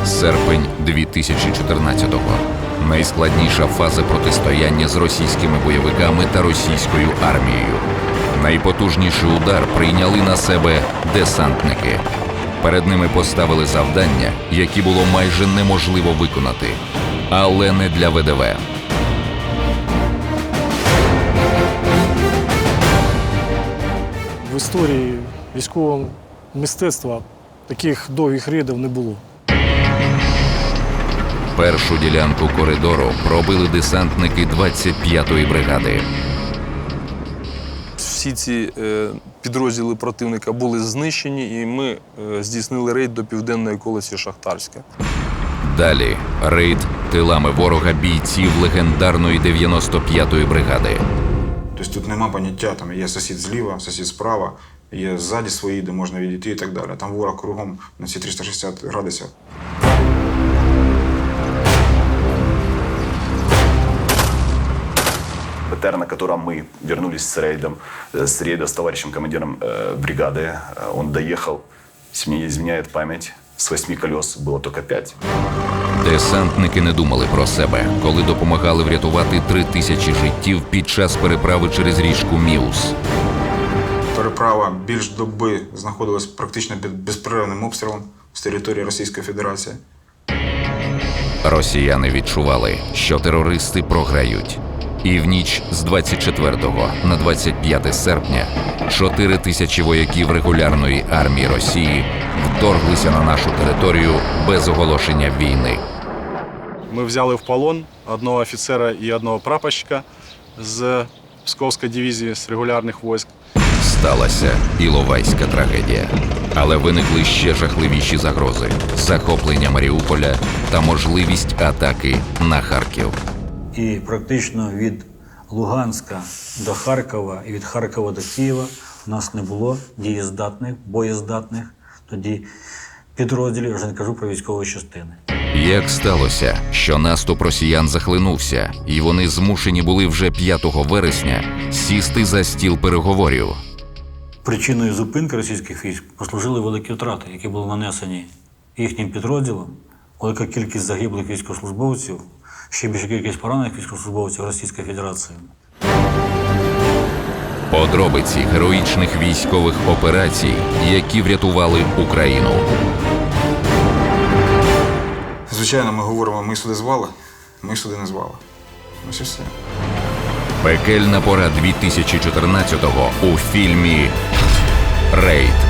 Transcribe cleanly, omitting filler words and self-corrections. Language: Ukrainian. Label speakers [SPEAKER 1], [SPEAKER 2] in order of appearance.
[SPEAKER 1] Серпень 2014-го. Найскладніша фаза протистояння з російськими бойовиками та російською армією. Найпотужніший удар прийняли на себе десантники. Перед ними поставили завдання, які було майже неможливо виконати. Але не для ВДВ.
[SPEAKER 2] В історії військового мистецтва таких довгих рейдів не було.
[SPEAKER 1] Першу ділянку коридору пробили десантники 25-ї бригади.
[SPEAKER 3] Всі ці підрозділи противника були знищені, і ми здійснили рейд до південної околиці Шахтарська.
[SPEAKER 1] Далі рейд тилами ворога бійців легендарної 95-ї бригади.
[SPEAKER 4] Тобто тут нема поняття, там є сусід зліва, сусід справа, є ззаді свої, де можна відійти і так далі. Там ворог кругом на ці 360 градусів.
[SPEAKER 5] БТР, на котором мы вернулись с рейда с товарищем командиром бригады. Он доехал, если мне не изменяет память, с 8 колес было только 5.
[SPEAKER 1] Десантники не думали про себе, коли допомагали врятувати 3000 життів під час переправи через річку Міус.
[SPEAKER 4] Переправа більш доби знаходилась практично під безперервним обстрілом з території Російської Федерації.
[SPEAKER 1] Росіяни відчували, що терористи програють. І в ніч з 24 на 25 серпня 4000 вояків регулярної армії Росії вторглися на нашу територію без оголошення війни.
[SPEAKER 6] Ми взяли в полон одного офіцера і одного прапорщика з Псковської дивізії, з регулярних військ.
[SPEAKER 1] Сталася Іловайська трагедія. Але виникли ще жахливіші загрози – захоплення Маріуполя та можливість атаки на Харків.
[SPEAKER 7] І практично від Луганська до Харкова і від Харкова до Києва у нас не було дієздатних, боєздатних тоді підрозділів, вже не кажу про військові частини.
[SPEAKER 1] Як сталося, що наступ росіян захлинувся, і вони змушені були вже 5 вересня сісти за стіл переговорів?
[SPEAKER 7] Причиною зупинки російських військ послужили великі втрати, які були нанесені їхнім підрозділом, велика кількість загиблих військовослужбовців, ще більша кількість поранених військовослужбовців Російської Федерації.
[SPEAKER 1] Подробиці героїчних військових операцій, які врятували Україну.
[SPEAKER 4] Звичайно, ми говоримо, ми сюди звали, ми сюди не звали. Ось і все.
[SPEAKER 1] Пекельна пора 2014-го у фільмі «Рейд».